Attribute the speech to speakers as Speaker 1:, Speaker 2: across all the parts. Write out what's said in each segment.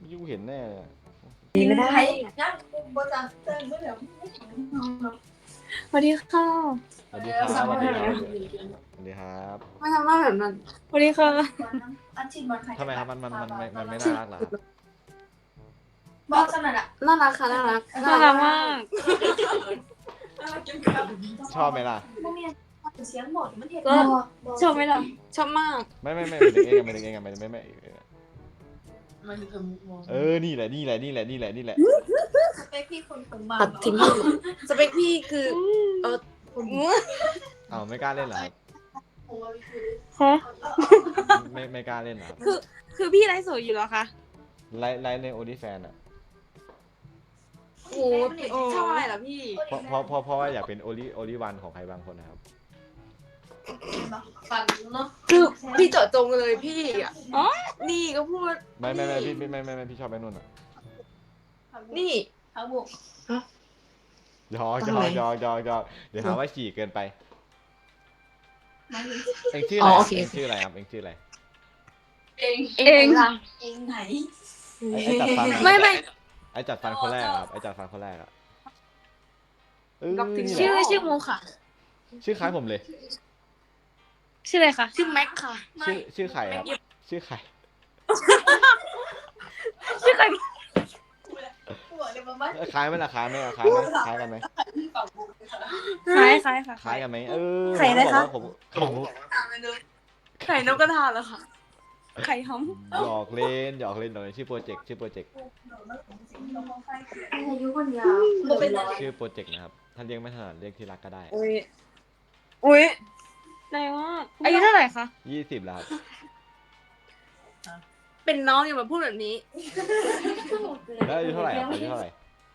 Speaker 1: ยูเห็นแน่
Speaker 2: ไม่ได้
Speaker 3: งั้นบนจากเติมเมื่อเดี๋ยวไม่ถึงน้อง
Speaker 2: สวัสดีค่ะ
Speaker 1: สวัสดีครับสวัสดีครับสวัสดีครับ
Speaker 2: ไม่ทำหน้าแบบนั้นสวัสดีค่ะ
Speaker 3: อันชินบอลใคร
Speaker 1: ทำไมครับมันไม่น่ารักเหรอครับ
Speaker 3: บอกขนาดอ่ะ
Speaker 2: น่ารักค่ะน่ารักน่ารักมาก
Speaker 1: ชอบไหมล่ะ
Speaker 3: พวกนี้เสียงหมดมันเห็น
Speaker 2: ก็ชอบไหมล่ะชอบมาก
Speaker 1: ไม่เป็นเองไม่นี่แหละ
Speaker 3: สเปคพี่คนผมมา
Speaker 2: ตัดทิ้งสเปคพี่คือเออ
Speaker 1: อ้าวไม่กล้าเล่นเหรอครับ
Speaker 2: ฮะ
Speaker 1: ไม่กล้าเล่นเหรอครับ
Speaker 2: คือพี่ไลฟ์สดอยู่เหรอคะ
Speaker 1: ไลฟ์ในโอลิแฟนอ่ะ
Speaker 2: โอ้ชอบอะไรเหรอพี่
Speaker 1: เพราะว่าอยากเป็นโอลิวันของใครบางคนนะครับ
Speaker 3: ฝันเนาะ
Speaker 2: คือพี่เจาะจงเลยพี่อ่ะอ๋อนี่ก็พูด
Speaker 1: ไม่พี่ชอบไอ้นุ่นอ่ะ
Speaker 2: นี่
Speaker 3: เขาบุก
Speaker 1: ยอกเดี๋ยวหาว่าฉี่เกินไปเองชื่ออะไรครับเองชื่ออะไรครับเองชื่ออะไร
Speaker 3: เอง
Speaker 2: เอง
Speaker 3: เองไหน
Speaker 1: ไอ้จัดฟัน
Speaker 2: ไม่
Speaker 1: ไอ้จัดฟันคนแรกครับไอ้จัดฟันคนแรกอะนี่แห
Speaker 2: ชื่อ
Speaker 1: ละ
Speaker 2: ชื่อมูค่ะ
Speaker 1: ชื่อคล้ายผมเลย
Speaker 2: ชื่ออะไรคะชื่อแม็กค่ะ
Speaker 1: ชื่อไข่ครับชื่อไข่
Speaker 2: ชื่อใคร
Speaker 3: บอกเลยว่า
Speaker 1: คล้ายไหมล่ะคล้ายกันไหม
Speaker 2: คล้ายค่ะ
Speaker 1: คล้ายกันไหม
Speaker 2: ไข่อะไรคะ
Speaker 1: ผม
Speaker 2: ไข่นกกระทาเหรอคะไข่หอม
Speaker 1: หยอกเล่นชื่อโปรเจกต์
Speaker 3: อายุคนยาวเป็น
Speaker 1: ชื่อโปรเจกต์นะครับถ้าเรียกไม่ถนัดเรียกที่รักก็ได้
Speaker 2: อุ้ยไหนว่าอายุเท่าไหร่คะ
Speaker 1: 20แล้วครับ
Speaker 2: เป็นน้องอย่ามาพูดแบบนี้
Speaker 1: แล้วอายุเท่าไหร่ครับอายุเท่าไหร่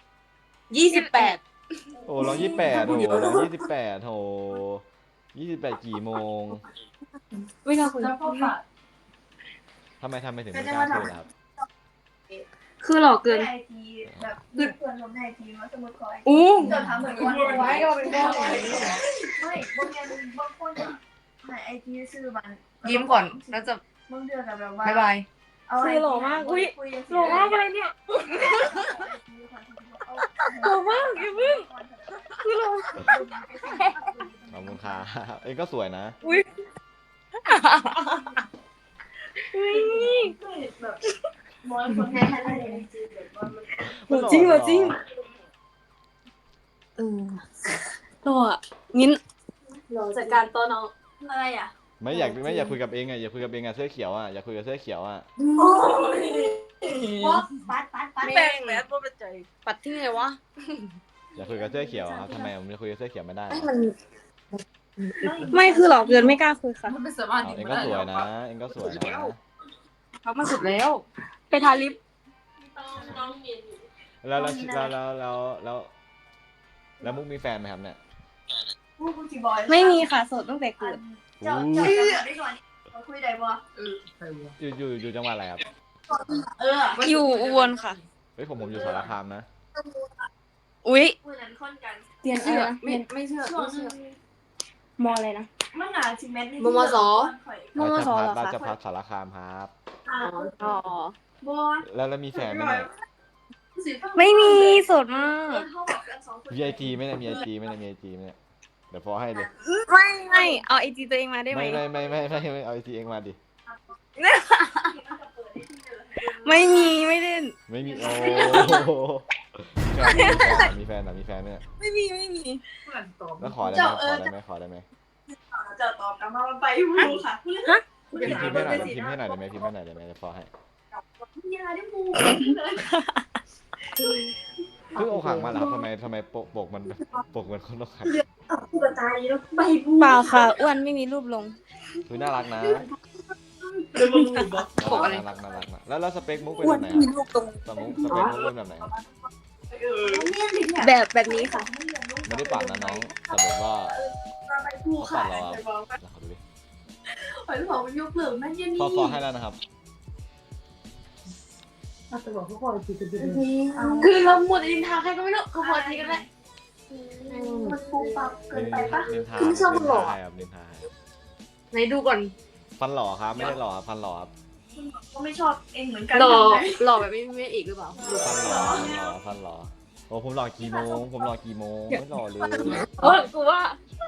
Speaker 2: 28
Speaker 1: โอ้เรา28โอ้เรา28โห28กี่โมง
Speaker 2: ไม่น่าคุย
Speaker 3: แล้วพ่อฝาก
Speaker 1: ทำไมถึงไม่กล้าพูดล่ะครับ
Speaker 2: คือหลอกเกิน
Speaker 3: ไอทีแบบเพื่อนผมในไอทีว่าสมมติคอย
Speaker 2: อู้
Speaker 3: จะทำเหมือนวันไว้ก็เป็นพ่อไม่บางอย่างบางคนในไอทีซื้อมัน
Speaker 2: ยิ้มก่อนแล้วจะ
Speaker 3: บางเดือนแบบว่า
Speaker 2: บ๊ายบาย คือหล่อมากอุ๊ย หล่อมากเลยเนี่ยหล่อมากอย่าเพิ่งคือหล่อ
Speaker 1: ขอบคุณครับเองก็สวยนะ
Speaker 2: อุ้ยอุ้ย
Speaker 3: แบบมองคนให้ได้เลยแบบว่ามัน
Speaker 2: จริงเหรอจริงหล่ออ่ะงั้นจัดการตัวน้อง
Speaker 3: อะไรอ่ะ
Speaker 1: ไม่อยากคุยกับเองอ่ะอยากคุยกับเองอ่ะเสื้อเขียวอ่ะอยากคุยกับเสื้อเขียวอ่ะ
Speaker 3: ว่าปัด
Speaker 2: แป้งแมสว่าเป็นใจปัดที่ไงวะ
Speaker 1: อยากคุยกับเสื้อเขียวครับทำไมผมจะคุยกับเสื้อเขียวไม่ได้
Speaker 2: ไม่คือหลอกเกินไม่กล้าคุยค่ะ
Speaker 3: มันเป็นสมาธิ
Speaker 1: เองก็สวยนะเองก็สวยนะ
Speaker 2: เขามาสุดแล้ว ไปทาลิป
Speaker 1: แล้วมุกมีแฟนไหมครับเนี่ย
Speaker 3: ผู้กูจีบอย
Speaker 2: ไม่มีค่ะโสดตั้งแต่เกิด
Speaker 3: เจ้าได้ก่อนมาคุยได้บ่
Speaker 1: อยู่จังหวัดอะไรครับ
Speaker 2: อยู่อุบลค่ะ
Speaker 1: เฮ้ยผมอยู่สารคามนะ
Speaker 2: อุ๊ย
Speaker 3: คุยนั้นค่อนกัน
Speaker 2: เรียนเชื่อไม่เชื่อ
Speaker 3: ช่วง
Speaker 2: มออะไรนะ
Speaker 3: มันหนาจิเม็ดนี่
Speaker 2: มส มมสเหรอ
Speaker 1: ราช
Speaker 2: คะ
Speaker 1: ภัฏสารคามครับ
Speaker 2: อ๋อ
Speaker 3: บอล
Speaker 1: แล้วมีแฟนไหมเนี่ย
Speaker 2: ไม่มีโสดมาก
Speaker 1: มีไอจีไหมเนี่ยมีไอจีไหมเนี่ยเดี๋ยวพอให้เลย
Speaker 2: ไม่เอาไอจีตัวเองมาได้ไหม
Speaker 1: ไม่เอาไอจีเองมาดิ
Speaker 2: ไม่มีไม่เล่น
Speaker 1: ไม่มีโอ้มีแฟนเนี่ย
Speaker 2: ไม่มี
Speaker 1: แล้วขอได้ไหม
Speaker 3: จะตอบกลับมาไปดูค่ะ
Speaker 1: พิมพ์ให้หน่อยได้ไหมจะพอให้
Speaker 3: ยาได้มู
Speaker 1: เพิ่งอกหักมาเหรอครับทำไมปกมันคนอกหัก
Speaker 3: กูกระตายแล้วใบบู
Speaker 2: เปล่าค่ะอ้วนไม่มีรูปลง
Speaker 1: คือน่ารักนะ
Speaker 2: ปกอะไร
Speaker 1: น่ารักนะแล้วสเปคมุกเป็นแบบไหนสเปคมุกเป็นแบบไหน
Speaker 2: แบบนี้ค่ะ
Speaker 1: ไม่ได้ปั่นนะน้องแต่แบบว่า
Speaker 3: ไปกูค่ะ
Speaker 1: ขอดูดิ
Speaker 3: หอยหอมมันยกเหลืองนั่นยันนี่
Speaker 1: ฟอให้แล้วนะครับ
Speaker 3: คือเราหมดอินทาใครก็ไม่รู้เขาพอทีกันแหละมันปูปับเกินไปปะ
Speaker 1: นินทา
Speaker 3: คือไม่ชอบมันหรอ
Speaker 1: ครับนินทา
Speaker 2: ไหนดูก่อน
Speaker 1: ฟันหล่อครับไม่ได้หล่อครับฟันหล่อครับ
Speaker 3: ก็ไม่ชอบเองเหมือนกัน
Speaker 4: หล่อ
Speaker 3: ทำไม
Speaker 4: หล่อแบบไม่มีเอกหรือเปล่า
Speaker 1: ฟันหล่อฟันหล่อโอ้ผมหล่อกี่โมงผมหล่อกี่โมงไม่หล่อเลย
Speaker 4: เออกูว่า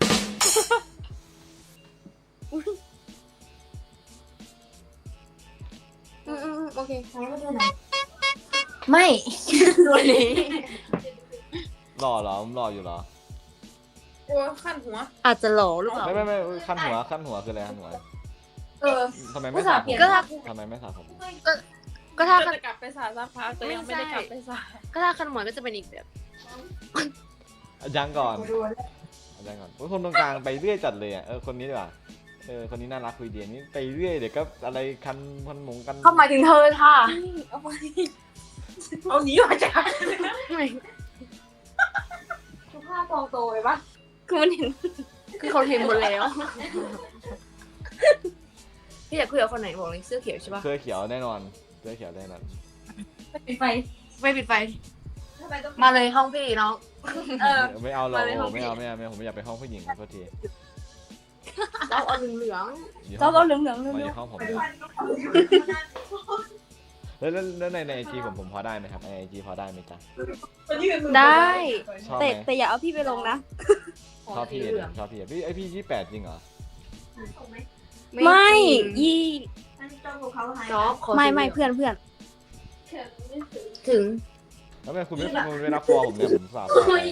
Speaker 4: โอเค
Speaker 3: ไม่
Speaker 4: ตัวนี้
Speaker 1: หล่อเหรอผมหล่ออยู่เหรอ
Speaker 2: โอ้ขั้นหัว
Speaker 4: อาจจะหล่อหรือเปล่า
Speaker 1: ไม่ขั้นหัวคืออะไรขั้นหัว
Speaker 2: เออ
Speaker 1: ทำไมไม่สระผม
Speaker 4: ก็ถ้า
Speaker 1: ทำไมไม่สระผม
Speaker 4: ก็ถ้า
Speaker 2: ก็จะกลับไปสาสักพักแต่ยังไม่ได้กลับไปสา
Speaker 4: ก็ถ้าคันหมวยก็จะเป็นอีกแบบ
Speaker 1: ยังก่อนโอ้ยคนตรงกลางไปเรื่อยจัดเลยอ่ะคนนี้ดีกว่าคนนี้น่ารักคุยดีนี่ไปเรื่อยเดี๋ยวก็อะไรคันพันหมงกัน
Speaker 4: เข้าหมายถึงเธอค่ะ
Speaker 2: เอาไปเอาหนีมาจาก
Speaker 3: สุภาพกองโตเลยปะ
Speaker 4: คือมันเห็นคือเขาเห็นหมดแล้วพี่อยากคุยกับคนไหนบอกเลยเสื้อเขียวใช่ปะ
Speaker 1: เสื้อเขียวแน่นอนเสื้อเขียวแน่นอน
Speaker 3: ปิดไฟ
Speaker 4: ไม่ปิดไฟ
Speaker 3: ทำไมต้อง
Speaker 4: มาเลยห้องพี่น้อง
Speaker 1: ไม่เอาหรอก
Speaker 4: มาเลยห้อง
Speaker 1: ไม่เอาผมไม่อยากไปห้องผู้หญิงโทษที
Speaker 4: เราเอาเหลือง
Speaker 1: อยู่ห้
Speaker 2: เจ้า
Speaker 1: อง
Speaker 2: ก็เหลือง
Speaker 1: มาอยู่ห้องผมแล้วในไอจีผมพอได้ไหมครับในไอจีพอได้ไหมจ๊ะ
Speaker 4: ได้
Speaker 1: ชอบไหม
Speaker 2: แต่อย่าเอาพี่ไปลงนะ
Speaker 1: ชอบพี่ชอบพี่พี่28จริงเหรอ
Speaker 2: ไม่ยี่
Speaker 3: อันนี้ต้องกับเขาหาย
Speaker 4: จ๊อบขอ
Speaker 2: ไม่เพื่อน
Speaker 4: ถึง
Speaker 1: แล้วทำไมคุณไม่รับฟอร์ผมเนี่ยผมสาบ
Speaker 4: โอ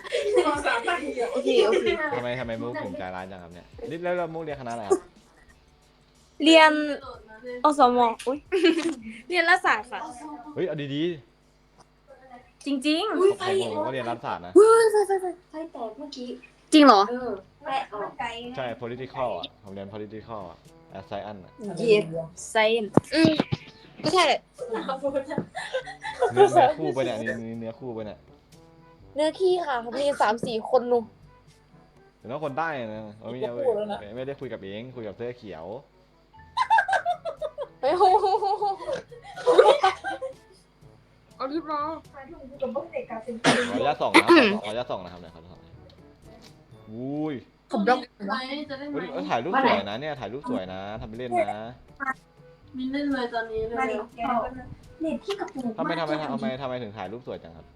Speaker 4: เค
Speaker 1: ทำไมมุกถึงใจร้ายจังครับเนี่ยแล้วมุกเรียนคณะอะไรครับ
Speaker 2: เรียนอสมอุ้ยเรียนรัฐศาสตร์ค่ะ
Speaker 1: เฮ้ยเอาดี
Speaker 2: จริง
Speaker 1: ๆผมก็เรียนรัฐศาสตร์นะ
Speaker 3: ไฟแตกเมื่อกี้
Speaker 4: จริงเหรอ
Speaker 3: แตกไกล
Speaker 1: ใช่ political อ่ะผมเรียน political อ่ะ science อ่ะ
Speaker 2: ๆ yes science
Speaker 4: ก็ใช่แหละ
Speaker 1: เนื้อคู่ไปเนี่ยเนื้อคู่ไปเนี่ย
Speaker 4: เนื้อขี้ค่ะเขามี3-4 คนนุ่ม
Speaker 1: แต่ว่าคนใต้นะไม่ได้คุยกับเองคุยกับเสื้อเขียว
Speaker 4: เฮ้ยโหเอารีบรอ
Speaker 3: ไฟถูกกับพวกเด็กกับเป็น
Speaker 1: ขออนุญาตส่องนะครับเนี่ยขอส่องอุ้ย
Speaker 4: ผมบล็อก
Speaker 1: ถ่ายรูปสวยนะเนี่ยถ่ายรูปสวยนะทำไปเล่นนะ
Speaker 2: มินเล่นเลยตอนนี้เล
Speaker 3: มาย ดิแกเน็ตที่กระปุก
Speaker 1: ทำไมถึงถ่ายรูปสวยจังครับ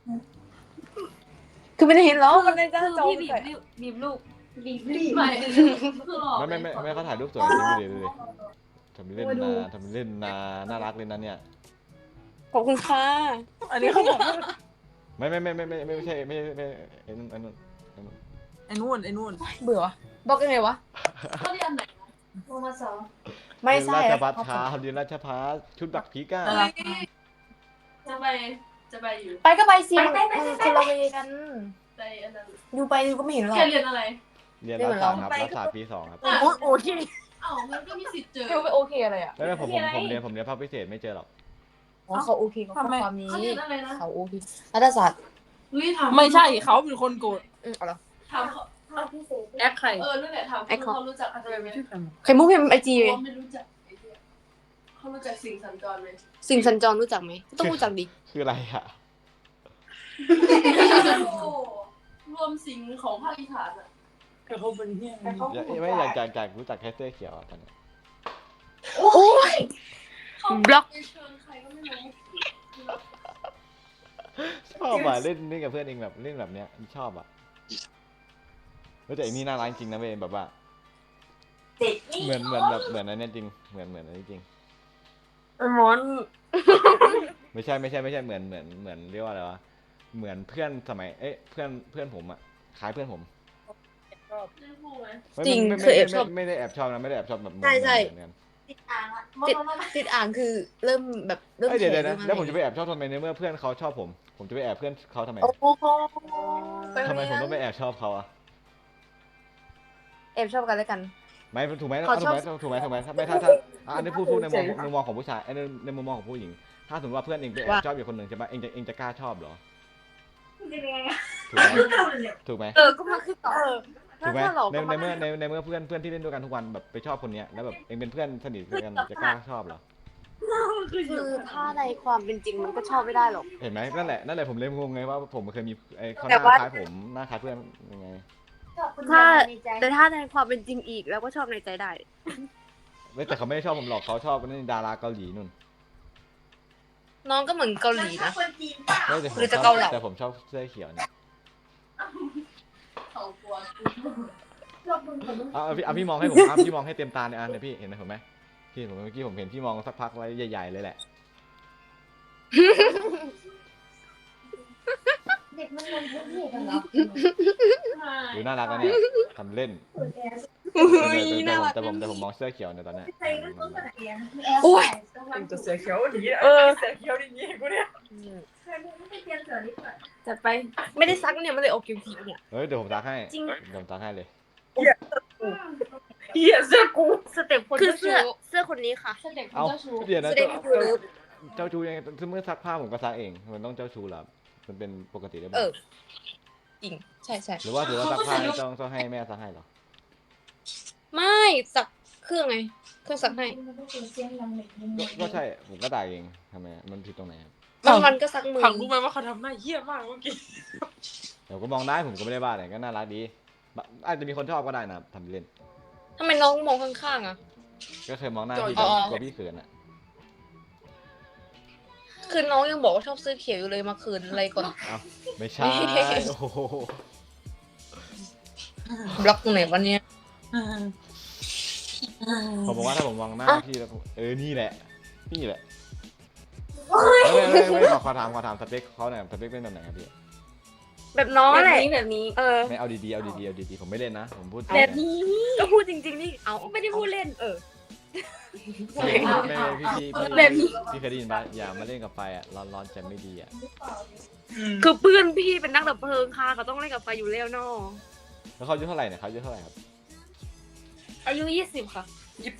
Speaker 4: คือไม่ได้เห็นหรอมันในจ้าจอ
Speaker 2: พี่บีบลูก
Speaker 3: รีบ
Speaker 2: ไม่คือหลอก
Speaker 1: ไม่เขาถ่ายรูปสวยจริงดูดิทำไปเล่นนะน่ารักเลยนะเนี่ย
Speaker 4: ขอบคุณค่ะ
Speaker 2: อันนี้เขาบอก
Speaker 1: ไม่ใช่ไอ้นู่น
Speaker 2: ไอ้นู่น
Speaker 4: เบื่อวะบล็อกยังไงวะ
Speaker 2: เขาเรียนไหน
Speaker 3: โมมาสอง
Speaker 4: ไม่ใช่
Speaker 1: ราชพัฒช้าเรียนราชพัฒชุดบักพีก้า
Speaker 2: จะไปอยู่
Speaker 4: ไปก็ไปสิมันคนละเวกัน
Speaker 2: ไปอันนั้น
Speaker 4: อยู่ไปก็ไม่เห็นหรอก
Speaker 2: แกเรียนอะไร
Speaker 1: เรียนรัฐศาสตร์ครับรัฐศาสตร์ปี 2 ครับ
Speaker 4: โอเค
Speaker 2: อ้าวมันก็มีสิทธิ์เจอ
Speaker 4: เขาไม่โอเคอะไรอ่ะ
Speaker 1: แล้วผมเรียนภาคพิเศษไม่เจอหรอก
Speaker 4: อ๋อเขาโอเคเขาข้อความนี้
Speaker 2: เขาเรียนอะไรนะ
Speaker 4: เขาโอเครัฐศาสตร์
Speaker 2: เฮ้ยถาม
Speaker 5: ไม่ใช่เขาเป็นคนโกรธ
Speaker 4: เอาเหรอ
Speaker 2: ถามเขา
Speaker 3: พิเศษ
Speaker 5: แอคใคร
Speaker 2: นั่นแหละถามเขารู้จักอะไรไหม
Speaker 4: ไข่มุกพิมพ์ไอจี
Speaker 2: เขาไม่รู้จักไอ้เหี้ยเขารู้จักสิ่งสัญจรไหม
Speaker 4: สิ่งสัญจรรู้จักไหมต้องรู้จักดิ
Speaker 1: คืออะไรอ่ะ
Speaker 2: รวมสิ่งของภาคอีสานอ่ะ
Speaker 5: แต่เขาเป็นเฮี้ย
Speaker 1: ไม่อยากรู้จักแค่เสื้อเขียวตอนนี้
Speaker 4: บล็อก
Speaker 2: ไปเชิญใครก็ไม่รู้
Speaker 1: ชอบอ่ะเล่นกับเพื่อนเองแบบเล่นแบบเนี้ยชอบอ่ะแต่อันนี้น่ารักจริงนะเว้ยแบบว่า
Speaker 3: เด็กนี่
Speaker 1: เหมือนอันนี้จริงเหมือนอันนี้จริง
Speaker 4: มอน
Speaker 1: ไม่ใช่เหมือนเรียกว่าอะไรวะเหมือนเพื่อนสมัยเพื่อนผมอ่ะคล้ายเพื่อนผม
Speaker 2: เล่นคู่ไหม
Speaker 4: จริง
Speaker 1: ไม่
Speaker 4: คือแอบชอบ
Speaker 1: ไม่ได้แอบชอบนะไม่ได้แอบชอบแบบ
Speaker 4: ใช่
Speaker 3: ติดอ่างอ่ะ
Speaker 4: ติดอ่างคือเริ่มแบบเริ่ม
Speaker 1: เดี๋ยว
Speaker 4: แข็ง
Speaker 1: นะแล้วผมจะไปแอบชอบทำไมในเมื่อเพื่อนเขาชอบผมจะไปแอบเพื่อนเขาทำไม
Speaker 4: โอ้โห
Speaker 1: ทำไมผมต้องไปแอบชอบเขาอ่ะ
Speaker 4: แอบชอบกันแล้วกัน
Speaker 1: ไม่ถูกไหม
Speaker 4: เขาชอบ
Speaker 1: ถูกไหมไม่ถ้าอันนี้พูดในมุมมองของผู้ชายในมุมมองของผู้หญิง ถ้าสมมติว่าเพื่อนเองไปแอบชอบอยู่คนหนึ่งใช่ไหมเองจะกล้าชอบเหรอ
Speaker 3: เป็นยังไง
Speaker 1: ถูกไหม
Speaker 4: ก็มาขึ้นต่อ
Speaker 1: ถูกไหม
Speaker 4: ถ้าเรา
Speaker 1: ในเมื่อเพื่อนที่เล่นด้วยกันทุกวันแบบไปชอบคนเนี้ยแล้วแบบเองเป็นเพื่อนสนิทกันจะกล้าชอบเหรอ
Speaker 4: คือถ้าในความเป็นจริงมันก็ชอบไม่ได้หรอก
Speaker 1: เห็นไหมนั่นแหละผมเลยงงไงว่าผมเคยมีเขาห
Speaker 4: แต่
Speaker 1: น้า
Speaker 4: ว่า
Speaker 1: คล้ายผมหน้าคล้ายเพื่อนยังไง
Speaker 4: ถ้าแต่ถ้าในความเป็นจริงอีกเราก็ชอบในใจได้
Speaker 1: ไม่แต่เขาไม่ได้ชอบผมหรอกเขาชอบนี่ดาราเกาหลีนู่น
Speaker 2: น้องก็เหมือนเกาหลีนะ
Speaker 3: คนจีนเปล่า
Speaker 1: ไม่แต่ผม
Speaker 2: หรือ
Speaker 1: ช
Speaker 2: จะ
Speaker 1: อบ
Speaker 2: เกาเหลา
Speaker 1: แต่ผมชอบเสื้อเขียวเนี่ย
Speaker 3: เขากลัว
Speaker 1: เอาพี่มองให้ผมพี่มองให้เต็มตาเนี่ยเนี่ยพี่เห็นไหมผมไหมพี่ผมเมื่อกี้ผมเห็นพี่มองสักพักไว้ใหญ่ๆเลยแหละ
Speaker 3: เด็กมันลงพื้นที่กันเหรอ
Speaker 1: ดูน่ารักนะเนี่ยทำเล่น
Speaker 2: อุ้ยน่ารัก
Speaker 1: แต่ผมมองเสื้อเขียวเนี่ยตอนเนี้ย
Speaker 3: ใครก็ต้องกระเทียม
Speaker 2: โอ้ย
Speaker 5: เป็นตัวเสือเขียวอย่างนี้เสือเขียวอย่างนี้กูเนี่ย
Speaker 3: ใครไม่ได้เทียมเสือนิดหน่อย
Speaker 2: จัดไปไม่ได้ซักเนี่ยมันเลยออกคิวๆเนี่ย
Speaker 1: เฮ้ยเดี๋ยวผมซักให้
Speaker 2: จริง
Speaker 1: เดี๋ยวผมซักให้เลย
Speaker 5: เหี้ยเสื้อกู
Speaker 2: สเต็ปคนคือเสื้อคนนี้ค่ะ
Speaker 1: เอาเดี๋ยวนะ
Speaker 2: แสดงว่าคือ
Speaker 1: เจ้าชู้ยังไงเมื่อซักผ้าผมก็ซักเองมันต้องเจ้าชู้เหรอมันเป็นปกติหรือเป
Speaker 2: เอ
Speaker 1: ล่า
Speaker 2: อจริงใช่ใช่
Speaker 1: หรือว่าซักผ้านี่ต้องให้แม่ซักให้เหรอ
Speaker 2: ไม่ซักเครื่องไงเครื่องซักให้
Speaker 3: มันต้องเป็นเสียงดังเด็กนิดนึง
Speaker 1: ก็ใช่ผมก็ด่าเองทำไมมันผิดตรงไหนครับ
Speaker 2: บางวันก็ซักมือ
Speaker 5: ผักรู้ไหมว่าเขาทำหน้าเหี้ยมากเมื่อกี้
Speaker 1: เดี๋ยวก็มองได้ผมก็ไม่ได้บ้าอะไรก็น่ารักดีอาจจะมีคนชอบก็ได้นะทำเล่น
Speaker 2: ทำไมน้องมองข้างๆอ่ะ
Speaker 1: ก็เคยมองหน้าพี่
Speaker 2: อ๋อ
Speaker 1: กลัวพี่เขินอ่ะ
Speaker 2: คือน้องยังบอกว่าชอบเสื้อเขียวอยู่เลยมาคืนอะไรก่อน
Speaker 1: เอ้าไม่ใช่โอ้โห
Speaker 2: บล็อกตรงไหนวันนี้
Speaker 1: ผมบอกว่าถ้าผมมองหน้าพี่แล้วนี่แหละนี่แหละไม่ขอถามสเปคเขาหน่อยสเปคเป็นแบบไหนครับพี่
Speaker 2: แบบน้องแหละแบบนี้เออ
Speaker 1: ไม่เอาดีๆผมไม่เล่นนะผมพูดจริง
Speaker 2: แบบ
Speaker 1: นะ
Speaker 2: นี้ก็พูดจริงๆนี่เอาไม่ได้พูดเล่น
Speaker 1: ไม่
Speaker 2: แบบนี้
Speaker 1: พี่เคยได้ยินป่ะอย่ามาเล่นกับไฟอ่ะร้อนจะไม่ดีอ่ะ
Speaker 2: คือเพื่อนพี่เป็นนักดับเพลิงค่ะเขาต้องเล่นกับไฟอยู่แล้วเนาะ
Speaker 1: แล้วเขาอายุเท่าไหร่เนี่ยเขาอายุเท่าไหร่ครับ
Speaker 2: อายุ20ค่ะ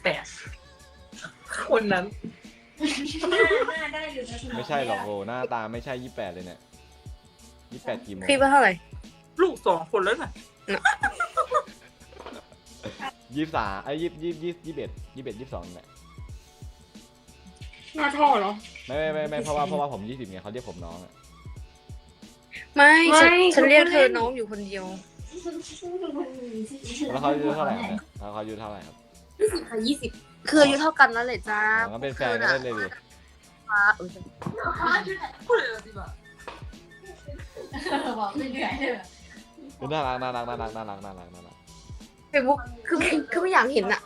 Speaker 5: 28คนนั้น
Speaker 3: หน้าได้อยู่นะ
Speaker 1: ไม่ใช่หรอกโอ้หน้าตาไม่ใช่28เลยเนี่ย28กี่โมง
Speaker 2: พี่ว่าเท่าไหร่
Speaker 5: ลูก2 คนแล้วน่ะ
Speaker 1: 2321 22เนี่ย
Speaker 2: หน้าท่อเหรอ
Speaker 1: ไม่เพราะว่าผม20ไงเขาเรียกผมน้องอ่ะ
Speaker 2: ไม่ฉันเรียกเธอน้องอยู่คนเดียว
Speaker 1: แล้วเขาอายุเท่าไหร่ครับเนี่ยแล้วเขาอายุเท่าไหร่ครับ
Speaker 2: ค่ะ20คืออายุเท่ากันนั่นแหละจ้า
Speaker 1: งั้นเป็นแฟนกันได้เลยดิ
Speaker 5: พูดเลยสิบ่ะ
Speaker 3: บอกไม่เหนื่อยเลย
Speaker 1: น่ารัก
Speaker 2: เฟซบุ๊กคือไม่อยากเห็นอะ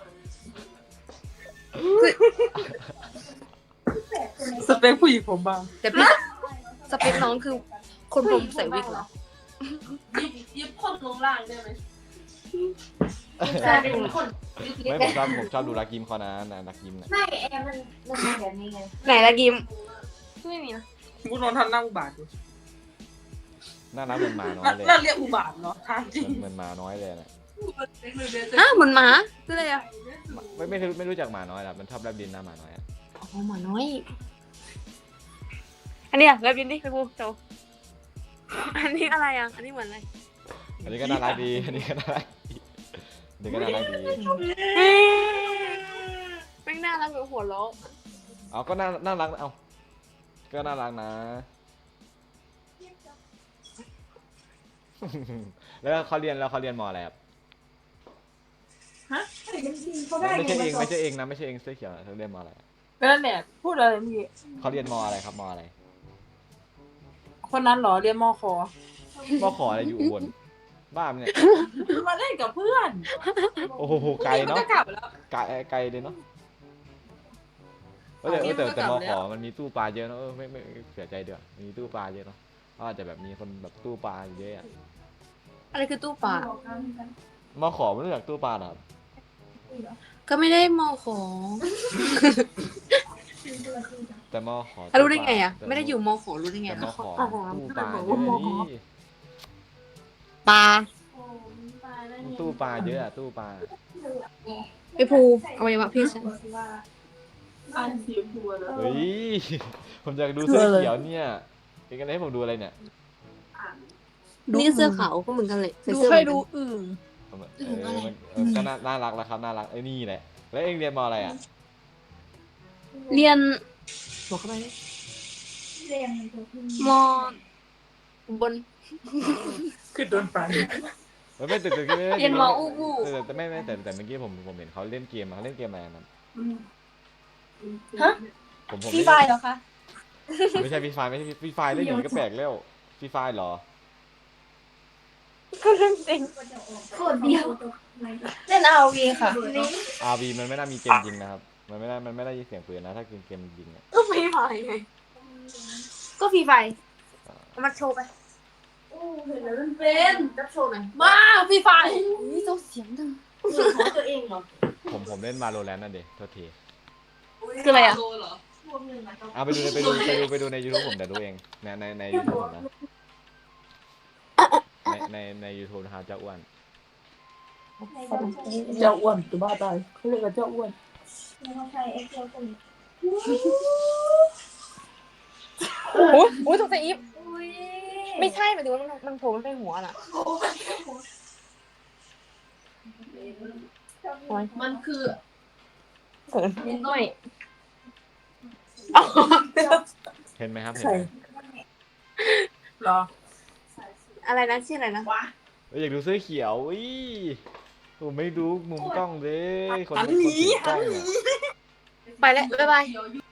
Speaker 5: สเปคผู้หญิงผมบาง
Speaker 2: แต่พี่สเปคน้องคือคนผมใส่วิกเหรอ
Speaker 3: ยิบคนลงล่างได้ไหม
Speaker 1: กลายเป็นคนไม่ผมชอบดูรักยิมเขานะรักยิมนะ
Speaker 3: ไม่แอร์มันเป็นแบบนี้ไง
Speaker 2: ไหนละกิมไม่มีนะ
Speaker 5: กูนอนทันหน้าอุบาทอยู่
Speaker 1: น่ารักเหมือนหมาน้อยเลย
Speaker 5: น่าเรียกอุบาทเนาะทางจริง
Speaker 1: เหมือนหมาน้อยเลยนะ
Speaker 2: เหมือนหมาคืออะไรอะ
Speaker 1: ไม่รู้จักหมาน้อยหรอมันชอบแลบดินนะหมาน้อยอ่ะ
Speaker 2: อ๋อหมาน้อย อันนี้อะแล้วบินดิไปพูโตอันนี้อะไรอะอันนี้เหมือนอะไร
Speaker 1: อันนี้ก็น่ารักดีอันนี้ก็น่ารักดีแ
Speaker 2: แม่
Speaker 1: ม่ง
Speaker 2: งน่ารักเหมือนหัวเราะ
Speaker 1: เอาก็น่ารักเอาก็น่ารักนะ แล้วเขาเรียนมออะไรครับไม่ใช่เองนะไม่ใช่เองเสื้อเขียวเขาเรียนมออะไร
Speaker 5: นั่นแหละพูดอะไรเมื่อกี้
Speaker 1: เขาเรียนมออะไรครับมออะไร
Speaker 5: คนนั้นเหรอเรียนมค
Speaker 1: มอขออะไรอยู่อุบลบ้าเนี่ย
Speaker 5: มาเล่นกับเพื่อน
Speaker 1: โอ้โหไกลเนาะ
Speaker 5: จะกลับแล้ว
Speaker 1: ไกลเลยเนาะแต่มอขอมันมีตู้ปลาเยอะเนาะไม่เสียใจเด้อมีตู้ปลาเยอะเนาะอาจจะแบบมีคนแบบตู้ปลาเยอะ
Speaker 2: อะไรคือตู้ปลาม
Speaker 1: อขอไม่รู้จักตู้ปลาหรอ
Speaker 2: ก็ไม่ได้มอขอ
Speaker 1: แต่มอขอ
Speaker 2: รู้ได้ไงอะไม่ได้อยู่มอขอรู้ได้ไง
Speaker 1: แต่มอ
Speaker 2: อะ
Speaker 1: ขอตู้ปลาเยอะนี่
Speaker 2: ปลา
Speaker 1: ตู้ปลาเยอะตู้ปลา
Speaker 2: ไปภูอวัยวะเพศฉัน
Speaker 5: อ่านสีบัวแล้ว
Speaker 1: เฮ้ยผมอยากดูเสื้อเขียวเนี่ยเป็นกันให้ผมดูอะไรเนี่ย
Speaker 2: นี่เสื้อขาวก็เหมือนกันเลยใส่
Speaker 5: ดู
Speaker 2: เสื้อ
Speaker 5: ให้
Speaker 2: เหมือน
Speaker 5: ดู
Speaker 2: กัน
Speaker 5: อึ่ง
Speaker 1: ก็น่ารักแล้วครับน่ารักไอ้นี่แหละแล้วเองเรียนมออะไรอ่ะ
Speaker 2: เรียนบอกเข้าไปดิ
Speaker 3: เรียน
Speaker 2: มอบน
Speaker 5: คือโดนปลา
Speaker 1: ไม่แต่
Speaker 2: เรียนมออู้บู้
Speaker 1: แต่เมื่อกี้ผมเห็นเขาเล่นเกมอะไรนะ
Speaker 2: ฮะ
Speaker 1: ผม
Speaker 2: ฟรีไฟเหรอคะ
Speaker 1: ไม่ใช่ฟรีไฟไม่ใช่ฟรีไฟเล่นอย่างนี้ก็แปลกแล้วฟรีไฟเหรอ
Speaker 2: ก็เรื่องจริง
Speaker 3: โคตรเดียว
Speaker 2: เล่น RV ค่ะ
Speaker 1: RV มันไม่น่ามีเกมยิงนะครับมันไม่ได้ยินเสียงปืนนะถ้าเกมยิงเนี่ย
Speaker 2: ก็ฟรีไฟไง ก็ฟรีไฟเอามาโชว์ไป
Speaker 3: เห็นแล้วมันเป็นจับโชว์หน่อย
Speaker 2: มาฟรีไฟนี่เจ้าเสียงดัง
Speaker 3: ของตัวเองเหรอ
Speaker 1: ผมเล่น Valorant นั่นเด็โทษที
Speaker 2: คืออะไรอ่ะ
Speaker 3: รวมหนึ่งนะ
Speaker 1: เอาไปดูใน YouTube ผมแต่ดูเองใน YouTube ผมนะใน YouTube นะครับเจ้าอ้วน
Speaker 5: เจ้าอ้วนตัวบ้าตายเขาเรียกว่าเจ้าอ้วน
Speaker 3: เราใช้เอ็กเซลตัวนี้
Speaker 2: โอ้โหโอ้ยตกใจอีฟ
Speaker 3: อุ้ย
Speaker 2: ไม่ใช่หมายถึงว่ามันโผล่มันเป็นหัวน่ะ
Speaker 3: มันคือ
Speaker 2: เขินไม่
Speaker 1: เห็นไหมครับเห็น
Speaker 5: ใช่
Speaker 1: ไหม
Speaker 5: รอ
Speaker 2: อะไรนะชื่ออะไรนะ
Speaker 1: อยากดูเสื้อเขียวอุ้ยผมไม่ดูมุมกล้องเลยคนถือกล้องเนี่ย
Speaker 2: ไปแล้วบ๊ายบาย
Speaker 3: เดี๋ยว